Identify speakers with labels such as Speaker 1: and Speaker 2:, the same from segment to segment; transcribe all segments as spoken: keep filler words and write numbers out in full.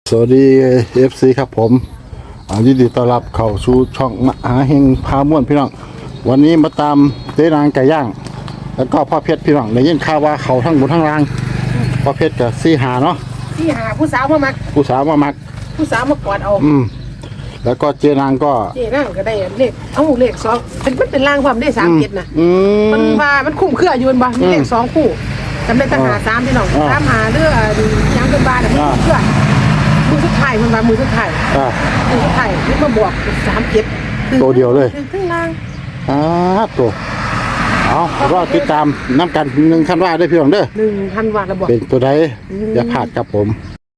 Speaker 1: สวัสดี เอฟ ซี ครับผมยินดีต้อนรับเข้าสู่ช่องมหาเฮงพาม่วนพี่น้องวันนี้มาตามเจ๊นางไก่ย่างแล้วก็พ่อเพชรพี่น้องได้ยินข่าวว่าเขาทั้งบนทั้งล่างพ่อเพชรกับซีหาเนาะ
Speaker 2: ที่หาผู้สาวมามัก
Speaker 1: ผู้สาวมามัก
Speaker 2: ผู้สาวมากอดเอา
Speaker 1: อืมแล้วก็เจ๊นางก็
Speaker 2: เจ๊นั่งก็ได้เลขเอาเลขสองเป็นมันเป็นร่างความได้สามเจ็ดนะ
Speaker 1: อื
Speaker 2: มัน
Speaker 1: ม
Speaker 2: ว่ามันคุ้มเครืออยู่บนบ่มีเลขสองคู่จำได้ตั้งหาสามพี่น้อง
Speaker 1: อ่า
Speaker 2: สามหาเรือยังเป็นบาทมันคุ้มเครือมือสุดท้ายมันว่ามือสุดท้าย
Speaker 1: อ่า
Speaker 2: มือสุดท้ายนี่มาบวกเป็นสามเจ็ด
Speaker 1: ตัวเดียวเลย
Speaker 2: ขึ้นล่าง
Speaker 1: อ่าตัวเอารอติดตามน้ำกันหนึ่งคันว่าได้พี่น้องเด้อ
Speaker 2: หนึ่งพันวัตต์ระบบ
Speaker 1: เป็นตัวใดอย่าพลาดครับผม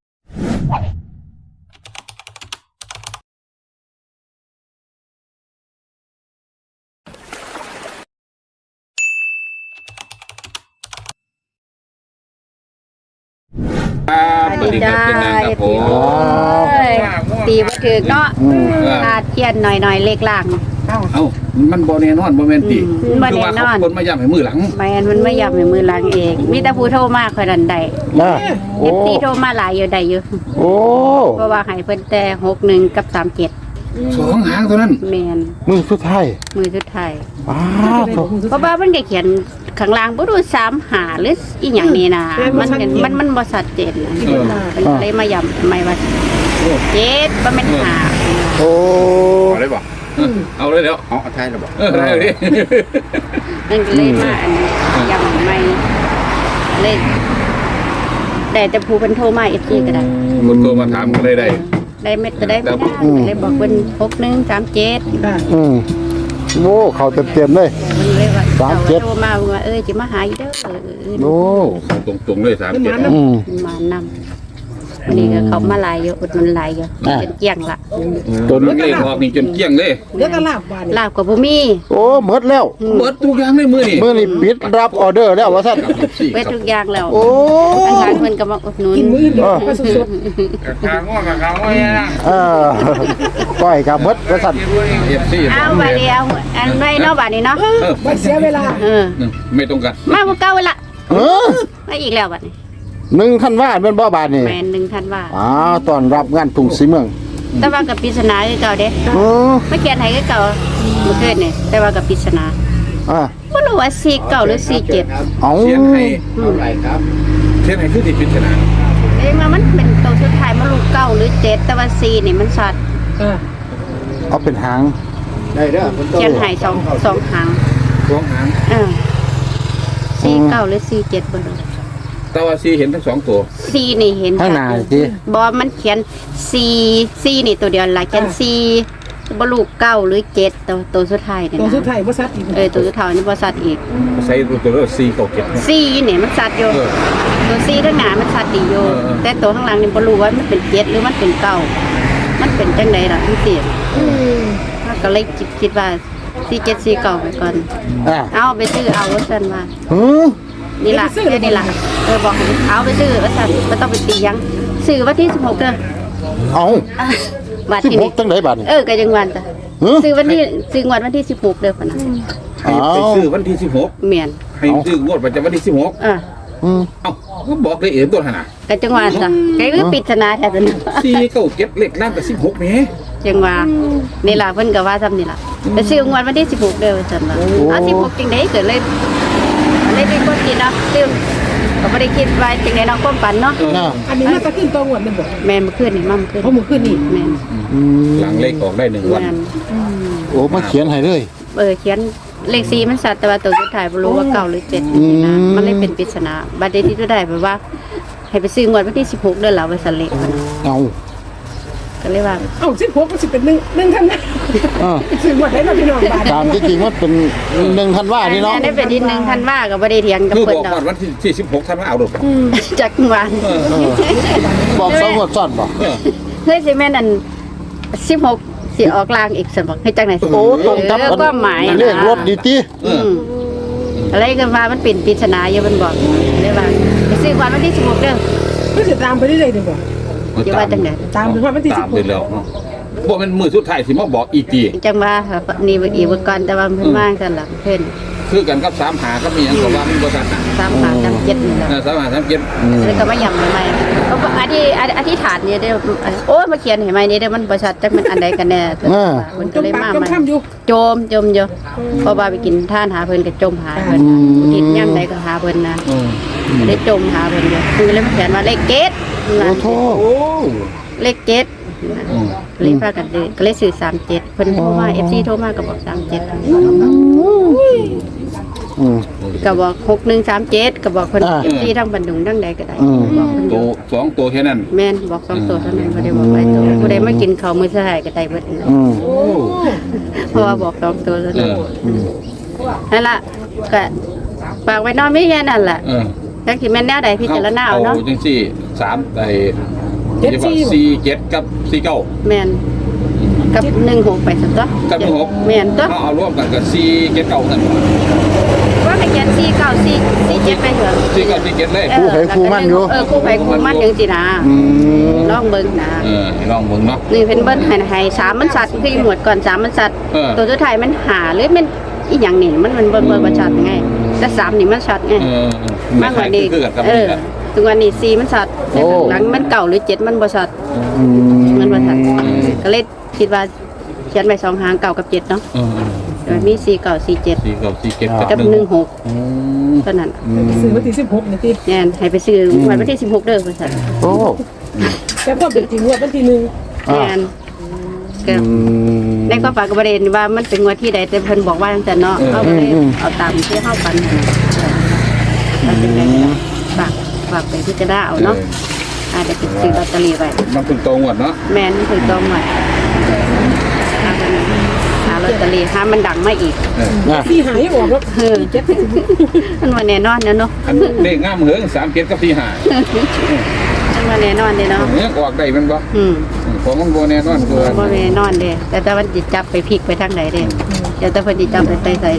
Speaker 3: สวัสดีครับเป็นนางครับผม
Speaker 4: ตีบ่ถือเนาะ
Speaker 1: อืม
Speaker 4: ขาดเทียนหน่อยๆเล็กล่าง
Speaker 2: เอ้า
Speaker 3: เอ้ามันบ่แน่นอนบ่แม่นติ
Speaker 4: อืมบ่แน่นอน
Speaker 3: คือว่าเขาคนมาย่ำให้มือหลัง
Speaker 4: แม่นมันไม่ยอมให้มือล้างเองมีแต่ผู้โทรมาคอยดันได้
Speaker 1: นะ
Speaker 4: เอ
Speaker 1: โอ้
Speaker 4: ฟซีโทรมาหลายอยู่ได้อยู่
Speaker 1: โอ้
Speaker 4: เพราะว่าให้เพิ่นแต่หกหนึ่งกับสามเจ็ด
Speaker 3: สองหางเท่านั้น
Speaker 4: แม่น
Speaker 1: มือสุดท้าย
Speaker 4: มือสุดท้าย
Speaker 1: อ้าวโถ่
Speaker 4: เพราะว่ามันก็เขียนข้างล่างบ่รู้สามหาหรืออีหยังนี่นะมันมันมันบ่ชัดเจนนะ
Speaker 3: เออ
Speaker 4: มันเลยมาย้ำไม่ว่าเจ็ดบ่แม่นหา
Speaker 1: โอ้
Speaker 3: เอาเลยบ่เออเอาเลยแล้ว
Speaker 5: เอาเอาไทยระบอก
Speaker 3: เออได้เลย
Speaker 4: มันก็เลยมาอันนี้ย้ำไม่เลยแต่แต่ผู้เพิ่นโทรมา เอฟ ซี ก็ได้
Speaker 3: คนโทรมาถามก็เลยได้
Speaker 4: ได้เม็ดก็ได้ไม่ได้เลยบอกเป็นหกหนึ่งสามเจ็ด
Speaker 2: ค่ะ
Speaker 1: อืมโอ้เขาเต็มเต็มๆเลย
Speaker 4: มันเลยว่า
Speaker 1: สามเจ็ด
Speaker 4: โทรมาว่าเอ้ยจะมาหาอีเด้อเออ
Speaker 1: โอ้
Speaker 3: ตรงตรงๆเลยสามเจ็ด
Speaker 1: อืม
Speaker 4: มานำวันนี้ก็เขามาหลายอยู่อุดหนุนหลายอยู่
Speaker 1: อ่า
Speaker 4: เป็นเกี่ยงละ
Speaker 3: ตัวนี้เลขออกนี่จนเกลี้ยงเลย
Speaker 2: เดี๋ยวก็ลาบวาน
Speaker 4: ลาบกับบุมี
Speaker 1: โอ้หมดแล้ว
Speaker 3: เบิดทุกอย่างเลยมือนี่
Speaker 1: เมื่อนี้ปิดรับออเดอร์แล้วว่าท่าน
Speaker 4: เวททุกอย่างแล้ว
Speaker 1: โอ้
Speaker 4: ทางการเพิ่นก็มาอุดหนุน
Speaker 2: กินมื้อเดียวก็สด
Speaker 3: ทางว่ากับเขาไว้นะ
Speaker 1: เออก้อยกับหมดว่าท่าน
Speaker 3: เอฟซี
Speaker 4: เอาบาดเดียวอันไว้เนาะบาดนี้เนาะ
Speaker 2: ๆไม่เสียเวลา
Speaker 4: เออ
Speaker 3: ไม่ตรงกัน
Speaker 4: มาบ่เก่าละ
Speaker 1: เออ
Speaker 4: มาอีกแล้วบัดนี้
Speaker 1: หนึ่งคันว่าเป็นบ่บาทนี่
Speaker 4: แม่นหนึ่งท่านว่า
Speaker 1: อ้าวตอนรับงานทุ่งสีเมือง
Speaker 4: แต่ว่ากับปริศนาคือเก่าเด้
Speaker 1: เออ
Speaker 4: ไม่เขียนให้คือเก่าเมื่อคืนนี่แต่ว่ากับปริศนา
Speaker 1: อ่ะ
Speaker 4: บ่รู้ว่าสี่เก้าหรือสี่เจ็ด
Speaker 1: เอา
Speaker 3: เขียนให้
Speaker 5: เท่าไหร่ครับ
Speaker 3: เขียนให้คือที่ปริศนา
Speaker 4: เอ้ยว่ามันเป็นตัวสุดท้ายมันลูกเก้าหรือเจ็ดแต่ว่าสี่นี่มันสัตว์
Speaker 2: อ่า
Speaker 1: เอาเป็นหาง
Speaker 5: ได้เด้อคนโต
Speaker 4: เขียนให้สองสองหาง
Speaker 3: สองหาง
Speaker 4: เออสี่เก้าหรือสี่เจ็ดบ่รู้
Speaker 3: แต่ว่าซีเห็นทั้งสองตัว
Speaker 4: สี่นี่เห็น
Speaker 1: ข้างหน้าที่
Speaker 4: บ่มันเขียนสี่สี่นี่ตัวเดียวล่ะเขียนสี่บ่ลูกเก้าหรือเจ็ดตัวตัวสุดท้ายนี่
Speaker 2: ตัว
Speaker 4: นะ
Speaker 2: สุดท้ายบ่ซัดอีก
Speaker 4: เออตัวสุดท้ายนี่บ่สัตว์อีก
Speaker 3: ใส่ตัวเลขซีเก่าเก็บ
Speaker 4: สี่นี่มันสัตว์อยู่
Speaker 3: เออ
Speaker 4: ตัวสี่ข้างหน้ามันสัตว์ดีอยู่
Speaker 3: เออเออ
Speaker 4: แต่ตัวข้างหลังนี่บ่รู้ว่ามันเป็นเจ็ดหรือมันเป็นเก้ามันเป็นจังไดล่ะมันสิ
Speaker 2: อืม
Speaker 4: มันก็เลยคิดคิดว่าสี่เจ็ดสี่เก้าไปก่อน
Speaker 1: อ่ะ
Speaker 4: เอาไปซื้อเอาว่าซั่นว่า
Speaker 1: หือ
Speaker 4: นี่ล่ะเดี๋ยวนี่ล่ะเออบอกให้เอาไปซื้อว่าซั่นบ่ต้องไปตีหยังซื้อวันที่สิบหกเด้อ
Speaker 1: เอา
Speaker 4: อ่ะบัด
Speaker 1: สิบ
Speaker 4: ที่
Speaker 1: ห
Speaker 4: นี่
Speaker 1: กจังไดบาทนี่
Speaker 4: เออก็จังหวันจ้ะ
Speaker 1: หือ
Speaker 4: ซื้อวันที่ซื้องวดวันที่สิบหกเด้อปะนะ
Speaker 3: ให้ไปซื้อวันที่สิบหก
Speaker 4: เมียน
Speaker 3: ให้ซื้องวดประจำวันที่สิบหก
Speaker 4: อ่ะ
Speaker 1: อืม
Speaker 3: เอ้าก็บอกเลยเอ๋ตัวขนาด
Speaker 4: ก็จังหวันจ้ะก็คือปริศนาแท้ๆนะ
Speaker 3: สี่เก้าเก็บเลขล่างกับสิบหกแหม
Speaker 4: จังหว่านี่ล่ะเพิ่นก็ว่าซ้ำนี่ล่ะไปซื้องวดวันที่สิบหกเด้อว่าซั่นว่าเอาสิบหกจังได๋เกิดเลยเลยเป็นคนคิดเนาะซื้อก็บ่ได้คิดว่าจังได๋เนาะความฝันเนาะ
Speaker 1: น่ะ
Speaker 2: อันนี้มาตะขึ้นตัวหวดมันบ่
Speaker 4: แม่นเมื่อคืนนี่มาเมื่อคืน
Speaker 2: เพราะมื้อคืนนี่
Speaker 4: แม่น
Speaker 1: อืม
Speaker 3: หลังเลขออกได้หนึ่งวัน
Speaker 4: แม่น
Speaker 1: โอ้มาเขียนให้เลย
Speaker 4: เออเขียนเลขสี่มันสัตว์แต่ว่าตัวสุดท้ายบ่รู้ว่าเก้าหรือเจ็ดนี่นะ
Speaker 1: อืม
Speaker 4: มันเลยเป็นปริศนาบัดนี้ที่ตัวได้แบบว่า ให้ไปซื้องวดวันที่สิบหกเด้อล่ะว่าซั่นเลขมัน
Speaker 1: เอา
Speaker 4: ก็เลยว่า
Speaker 2: เอ้าสิบหกก็สิเป็นหนึ่งหนึ่งท่านนะ
Speaker 1: อ่า
Speaker 2: ซื้อหมดได้เนาะพี่น้องบาท
Speaker 1: ตามที่จริงมันเป็นหนึ่งคันว่านี่เนาะ
Speaker 4: อัได้เป็นที่หนึ่งท่านว่าก็บ่ได้เถียงกับ
Speaker 3: คือ
Speaker 4: เพิ่
Speaker 3: บ
Speaker 4: น
Speaker 3: อก
Speaker 4: ดอ
Speaker 3: ก่อก นวันที่ที่สิบหกท่านมาเอาดอก
Speaker 4: จักหวาน
Speaker 3: เออ
Speaker 1: เออบอกสองงวดซ้อนบ่
Speaker 3: เออ
Speaker 4: เฮ้ยสิแม่นอันสิบหกสิออกลางอีกซั่นบ่ให้จังไหน
Speaker 1: โอ้ตรงกับ
Speaker 4: เออก็หมายนะ
Speaker 1: เลขรถดีติ
Speaker 3: เออ
Speaker 4: อืมอะไรกันว่ามันเป็นปริศนาอยู่มันบอกเลยว่าไปซื้องวดวันที่สิบหกเด้อ
Speaker 2: ก็จะตามไปเรื่อยๆดีกว่า
Speaker 4: อย่าว่าจังได๋
Speaker 2: ตามถึงวันที่สิ
Speaker 3: ตา
Speaker 2: บ
Speaker 3: ม
Speaker 2: ห
Speaker 3: ไป
Speaker 2: ก
Speaker 3: แล้วเนาะบอกเป็นมือสุดท้ายที่มาบอกอีตี
Speaker 4: จังว่านี่อีกก่อนแต่ว่าเพิ่นว่างซั่นล่ะเพิ่น
Speaker 3: คือกันกับสามหาก็มีอย่างกับว่ามันบ่ชัดน่ะ
Speaker 4: สามหาสามเจ็ดนี่แหละ
Speaker 3: เออสามหาสามเจ็ด
Speaker 4: แล้วก็มาย่ำใหม่ๆเขาก็อธิอธิษฐานเนี่ยเด้อโอ้ยมาเขียนให้ใหม่นี่เด้อมันบ่ชัดจักมันอันใดกันแน่มัน
Speaker 2: จ
Speaker 4: ก็
Speaker 2: ม
Speaker 4: เลย
Speaker 2: ปาก
Speaker 4: มา
Speaker 2: จม
Speaker 4: ใหม่
Speaker 2: ค่ำอยู่
Speaker 4: โจมจมอยู่เพราะว่าไปกินท่านหาเพิ่นก็จมหาเพิ่นติดย่ำใดก็หาเพิ่นนะ
Speaker 3: อืม
Speaker 4: ได้จมหาเพิ่นอยู่คือเลยมาเขียนว่าเลขเกต
Speaker 1: โอ้โห
Speaker 3: โอ้
Speaker 4: เลขเกตเลยพากันเลยก็เลยซื้อสามเจ็ดเพิ่นโทรมา เอฟ ซี โทรมาก็บอกสามเจ็ด
Speaker 1: อืม
Speaker 4: ก็บอกหกหนึ่งสามเจ็ดก็บอกเพิ่น
Speaker 1: อ่า
Speaker 4: เอฟซีทั้งบันดุงทั้งใดก็ได้
Speaker 1: อืม
Speaker 4: บอกเพิ่นอ
Speaker 3: ตัว
Speaker 4: ยู่
Speaker 3: สองตัวแค่นั้น
Speaker 4: แม่นบอกสองตัวเท่านั้นบ่ได้บอกหลายตัวบ่ได้มากินข้าวมื้อสายก็ได้เบิดนั่น
Speaker 1: อืม
Speaker 3: โอ้
Speaker 4: เพราะว่าบอกสองตัวเท่า
Speaker 3: เอ
Speaker 4: นั้น
Speaker 3: อ
Speaker 4: นั่นล่ะก็ฝากไว้เนอนมีแค่นั้นล่ะ
Speaker 3: เออ
Speaker 4: จักสิแม่นแนวใดพิจารณาเอาเนาะ
Speaker 3: จังซี่สามไอ้สี่เจ็ดกับสี่เก้า
Speaker 4: แม่นกับหนึ่งหกไปซั่นตัว
Speaker 3: กับหนึ่งหก
Speaker 4: แม่นตัว
Speaker 3: เขาเอารวมกันกับสี่เจ็ดเก้านั่น
Speaker 4: ว่าให้เขียนสี่เก้าสี่สี่เจ็ดไปเถอะ
Speaker 3: สี่เก้าสี่เจ็ดเลย
Speaker 4: เออเออคู่ไปคู่มันจังซี่นะ
Speaker 1: อืม
Speaker 4: ลองเบิ่งนะ
Speaker 3: เออให้ลองเบิ่งเนาะ
Speaker 4: นี่เพิ่นเบิ่งให้ให้สามมันสัตว์คือหมวดก่อนสามมันสัตว์
Speaker 3: เออ
Speaker 4: ตัวสุดท้ายมันหาหรือมันอีหยังนี่มันมันเบิ่งเบิ่งบ่ชัดไงแต่สามนี่มันชัดไง
Speaker 3: เออ
Speaker 4: มากกว่านี้
Speaker 3: คือกันกับ
Speaker 4: เอ
Speaker 3: นี่
Speaker 4: อ
Speaker 3: แหละ
Speaker 4: ถึงวันนี้สี่มันชัดแต่ข้างหลังมันเก่าหรือเจ็ดมันบ่ชัด
Speaker 1: อืม
Speaker 4: มันบ่ชัดก็เลยคิดว่าเขียนไปสองหางเก่ากับเจ็ดเนาะ
Speaker 3: เออ
Speaker 4: โดยมีสี่เก่าสี่เจ็ด
Speaker 3: สี่เก้าสี่เจ็ด
Speaker 4: กั
Speaker 3: กั
Speaker 4: บบ ห
Speaker 3: ห
Speaker 4: นึ่
Speaker 3: นึ่
Speaker 4: ง
Speaker 3: ง
Speaker 4: หก
Speaker 3: อืม
Speaker 4: เท่านั้น
Speaker 2: ซื้อวันที่สิบหกนี่ติ
Speaker 4: แน่นให้ไปซื้อวันที่สิบหกเด้อว่าซั่น
Speaker 1: โอ้
Speaker 2: แต่ความเป็นจริงว่าวันที่หนึ่ง
Speaker 1: อ่า
Speaker 4: แน่นก็
Speaker 1: อืม
Speaker 4: ในความฝันก็บ่ได้ว่ามันเป็นงวดที่ใดแต่เพิ่นบอกว่าจังซั่นเนาะเฮาก็เลยเอาตามที่เฮาฝันนั่นน่ะถ้าเป็นไงก็ฝากฝากไปพิจารณาเอาเนาะอาจจะไปซื้อลอตเตอรี่ไว้
Speaker 3: มันเป็นตัวงวดเนาะ
Speaker 4: แม่นถึงต้องหน่อยหากันหาลอตเตอรี่หามันดังมาอีก
Speaker 3: เออ
Speaker 1: นะ
Speaker 2: สี่หายออกแล้ว
Speaker 4: เออมันว่าแน่นอนนะเนาะ
Speaker 3: อันเลขงามเหงสามเจ็ดกับสี่ห้า
Speaker 4: มันว่าแน่นอนเด้เนาะ
Speaker 3: เนื้อออกได้แมันบ่
Speaker 4: อืม
Speaker 3: ของมันบ่แน่นอนคือ
Speaker 4: บ่แน่นอนเด้แต่แต่มันสิจับไปพลิกไปทางไหนเด้เดี๋ยวแต่เพิ่นสิจับไปใส่ใส่เด้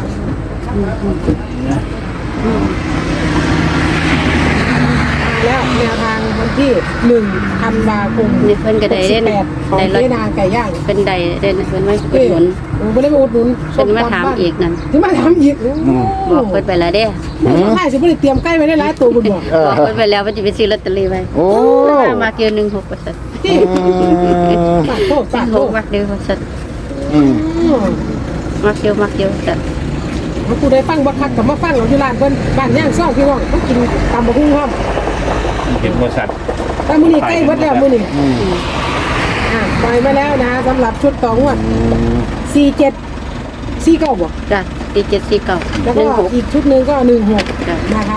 Speaker 2: แล้วแนวทางวันที่หนึ่งธันวาคม
Speaker 4: นี่เพิ่นก็ได้เด้
Speaker 2: แปดของ
Speaker 4: ได้รถ
Speaker 2: เจ๊นางไก่ย่าง
Speaker 4: เป็นได้เด้เพิ่นมาอุด
Speaker 2: เอ้ย
Speaker 4: หนุน
Speaker 2: ผมไม่ได้มาอุดหนุน
Speaker 4: เพิ่นมาถามอีกนั่น
Speaker 2: ที่มาถามอีก
Speaker 4: บอกเพิ่นไปแล้วเด้
Speaker 2: ใช่ฉันไม่ได้เตรียมใกล้ไว้ได้หลายตัวบุญบอก
Speaker 1: เออ
Speaker 4: บอกเพิ่นไปแล้วว่าสิไปซื้อลอตเตอรี่ไว้
Speaker 1: โอ้
Speaker 4: มาเกี่ยวหนึ่งหกว่าซั่น
Speaker 2: ที่ปากโตปาก
Speaker 4: ห
Speaker 2: โต
Speaker 4: กมักเดียวว่าซั่น
Speaker 1: อืม
Speaker 4: มักเดียวมักเดียวว่าซั่น
Speaker 2: มากูได้ฟังบักคักกับมาฟังเราที่ร้านเพิ่นบ้านย่างซ่องพี่น้องต้องกินตามบะฮุ่งห้อม
Speaker 3: เห็นบริษัท
Speaker 2: แต่มื้อนี้ใกล้เบิดแล้วมื้อนี้อ่าปล่อยมาแล้วนะสำหรับชุดต่องวดสี่เจ็ดสี่เก้าบ่
Speaker 4: จ้ะตีเจ็ดสี่เก้า
Speaker 2: แล้ว
Speaker 4: ห
Speaker 2: ก็
Speaker 4: นึ่งหก
Speaker 2: อีกชุดหนึงก็หนึ่งหก
Speaker 4: จ้ะ
Speaker 2: นะคะ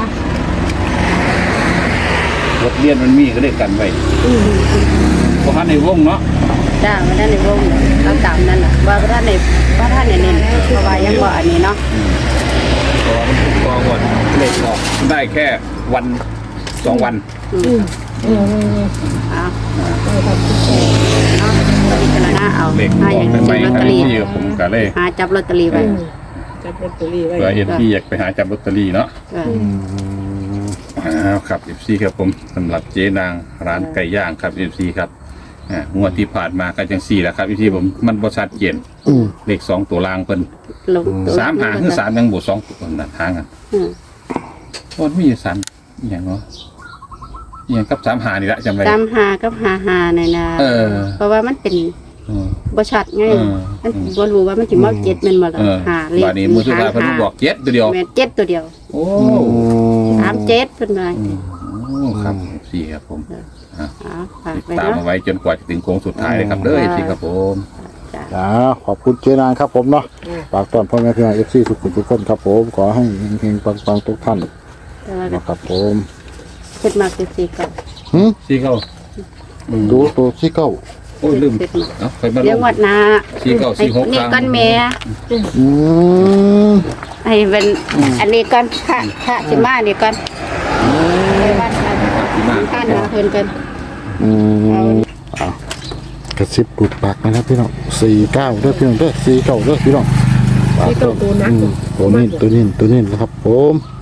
Speaker 3: รถเรียนมันมีก็ได้กันไว้
Speaker 2: อืม
Speaker 3: เพราะท่านในวงเนาะ
Speaker 4: จ้าว่าท่านในวงเอาตามนั่นแหละว่าท่านในว่าท่านในเน้นเพราะว่ายังบ่อันนี้เนาะ
Speaker 3: เพราะว่ามันถูกต้องหมดเลขออกได้แค่วันสองวัน
Speaker 2: อืมเออเออ
Speaker 4: เอา
Speaker 2: เออครับ
Speaker 4: เอาพิจารณาเอา
Speaker 3: เลขอ
Speaker 4: หา
Speaker 3: อ
Speaker 4: อก ย่าง
Speaker 3: ไป
Speaker 4: ซื้อลอต
Speaker 3: ค
Speaker 4: เต
Speaker 3: รั
Speaker 4: อบ รี่
Speaker 3: ที่ผมก็เลย
Speaker 4: หาจับลอตเตอรี่ไว้
Speaker 2: อืมจับลอตเตอรี่ไว้
Speaker 3: เผื่อเอฟซีอยากไปหาจับลอตเตอรี่เนาะ
Speaker 4: จ้ะ
Speaker 3: อ้าวครับเอฟซีครับผมสำหรับเจ๊นางร้านไก่ย่างครับเอฟซีครับอ่างวดที่ผ่านมาก็จังสี่แหละครับเอฟซีผมมันบริษัทเจน
Speaker 1: อืม
Speaker 3: เลขสองตัวล่างเพิ่น
Speaker 4: ลงตัว
Speaker 3: สามหางคือสามยังบวกสองตัวนั่นทางกัน
Speaker 4: อืม
Speaker 3: วันมีสามอหย่างเนาะอหย่างกับสามหานี่ละจำไว้
Speaker 4: ตามหากับหาหาในอยนะ
Speaker 3: เออ
Speaker 4: เพราะว่ามันเป็น
Speaker 3: เออ
Speaker 4: บ่ชัดไง
Speaker 3: เออ
Speaker 4: มันบ่รู้ว่ามันสิมาเจ็ดแม่นบ่ล่ะ
Speaker 3: เออ
Speaker 4: หาเลข
Speaker 3: บาดนี้มือสุดท้ายเพิ่นมาบอกเจ็ดตัวเดียว
Speaker 4: แม่นเจ็ดตัวเดียว
Speaker 3: โอ้
Speaker 4: สามเจ็ดเพิ่นว่า
Speaker 3: อืมโอ้ครับสี่ครับผม
Speaker 4: เอาฝาก
Speaker 3: ติด
Speaker 4: ไว้
Speaker 3: ตาม
Speaker 4: เนาะ
Speaker 3: เอาไว้จนกว่าจะถึงโค้งสุดท้ายเลยครับเด้อสี่ครับผม
Speaker 4: จ้ะ
Speaker 1: อ่าขอบคุณเจนางครับผมเนาะฝากต้อนพ่อแม่พี่น้องเอฟซีทุกคนทุกคนครับผม ขอให้เฮงๆปังๆทุกท่าน
Speaker 4: แต่ว่า
Speaker 1: นะครับผม
Speaker 4: เฮ็ดมากคือสี่เก่า
Speaker 1: หึ
Speaker 3: สี่เก้าอืม
Speaker 1: ดูตัวที่เก้า
Speaker 3: โอ้ยลืมเอ้าไปมาล
Speaker 4: เดี๋ยว
Speaker 3: ง
Speaker 4: งวดหน้า
Speaker 3: สี่เก้าสี่หก
Speaker 4: นี่
Speaker 3: ครั้ง
Speaker 4: ก้อนแม่
Speaker 1: อืม
Speaker 4: ให้เป็นอันนี้ก่อนพระพระสิมานี่ก่อนไปวัดมา
Speaker 3: ที่มา
Speaker 4: ท่านมาเพิ่นกัน
Speaker 1: อืมอ่ะกระซิบปุดปากนะครับพี่น้องสี่เก้าเด้อพี่น้องเด้อสี่เก้าเด้อพี่น้อง
Speaker 2: สี่เก้าตัวนัก
Speaker 1: อืมตัวนี้ตัวนี้ตัวนี้นะครับผม